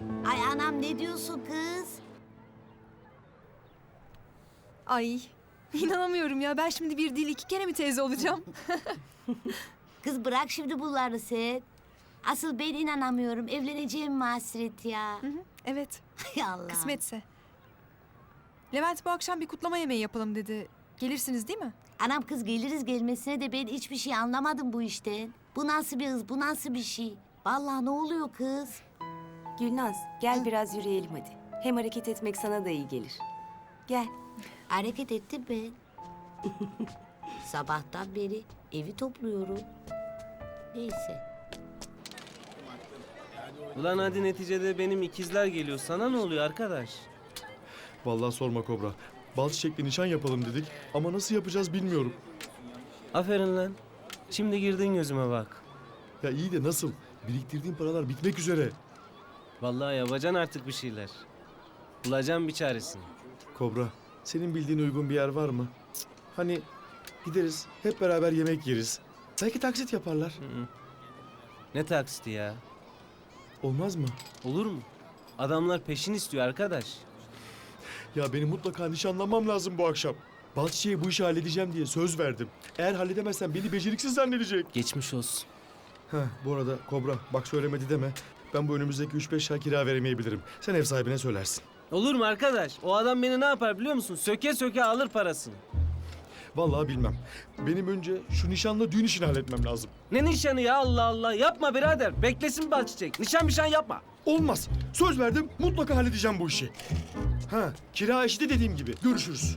Ay anam ne diyorsun kız? Ay inanamıyorum ya. Ben şimdi bir değil iki kere mi teyze olacağım? Kız bırak şimdi bunları sen. Asıl ben inanamıyorum. Evleneceğim mi hasret ya? Evet, Hay Allah. kısmetse. Levent bu akşam bir kutlama yemeği yapalım dedi. Gelirsiniz değil mi? Anam kız geliriz gelmesine de ben hiçbir şey anlamadım bu işten. Bu nasıl bir hız, bu nasıl bir şey? Vallahi ne oluyor kız? Gülnaz, gel biraz yürüyelim hadi. Hem hareket etmek sana da iyi gelir. Gel. Hareket ettim ben. Sabahtan beri evi topluyorum. Neyse. Ulan hadi neticede benim ikizler geliyor. Sana ne oluyor arkadaş? Vallahi sorma Kobra. Bal çiçekli nişan yapalım dedik ama nasıl yapacağız bilmiyorum. Aferin lan. Şimdi girdin gözüme bak. Ya iyi de nasıl? Biriktirdiğim paralar bitmek üzere. Vallahi yapacaksın artık bir şeyler. Bulacaksın bir çaresini. Kobra, senin bildiğin uygun bir yer var mı? Cık, hani gideriz, hep beraber yemek yeriz. Belki taksit yaparlar. Ne taksiti ya? Olmaz mı? Olur mu? Adamlar peşin istiyor arkadaş. Ya benim mutlaka nişanlanmam lazım bu akşam. Bal çiçeği bu işi halledeceğim diye söz verdim. Eğer halledemezsem beni beceriksiz zannedecek. Geçmiş olsun. Bu arada Kobra, bak söylemedi deme. Ben bu önümüzdeki 3-5 ay kira veremeyebilirim. Sen ev sahibine söylersin. Olur mu arkadaş? O adam beni ne yapar biliyor musun? Söke söke alır parasını. Vallahi bilmem. Benim önce şu nişanla düğün işini halletmem lazım. Ne nişanı ya Allah Allah. Yapma birader. Beklesin bal çiçek. Nişan yapma. Olmaz. Söz verdim, mutlaka halledeceğim bu işi. Kira işi de dediğim gibi. Görüşürüz.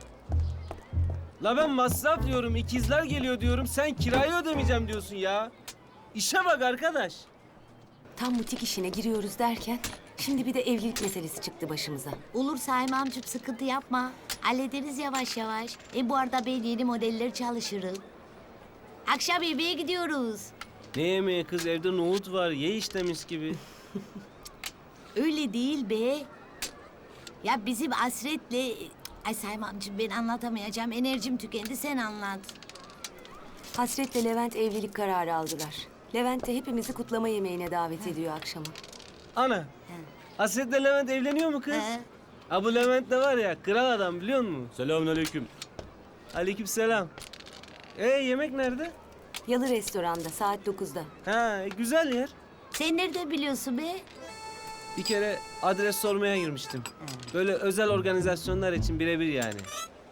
La ben masraf diyorum, ikizler geliyor diyorum. Sen kirayı ödemeyeceğim diyorsun ya. İşe bak arkadaş. Tam butik işine giriyoruz derken şimdi bir de evlilik meselesi çıktı başımıza. Olur Saim amcım sıkıntı yapma. Hallederiz yavaş yavaş. Bu arada ben yeni modeller çalışırım. Akşam yemeğe gidiyoruz. Ne yemeği kız, evde nohut var. Ye işte mis gibi. Öyle değil be. Ya bizim Asret'le... Ay Saim amcım ben anlatamayacağım. Enerjim tükendi sen anlat. Hasret'le Levent evlilik kararı aldılar. Levent de hepimizi kutlama yemeğine davet ediyor akşama. Ana. Hasret'le Levent evleniyor mu kız? He. Ha bu Levent de var ya, kral adam biliyor musun? Selamünaleyküm. Aleykümselam. Yemek nerede? Yalı restoranda saat 9'da. Ha güzel yer. Sen nereden biliyorsun be? Bir kere adres sormaya girmiştim. Böyle özel organizasyonlar için birebir yani.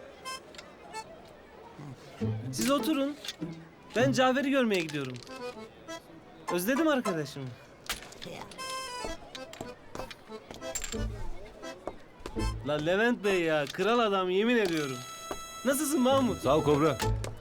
Siz oturun. Ben Cafer'i görmeye gidiyorum. Özledim arkadaşımı. La Levent Bey ya, kral adam yemin ediyorum. Nasılsın Mahmut? Sağ ol Kobra.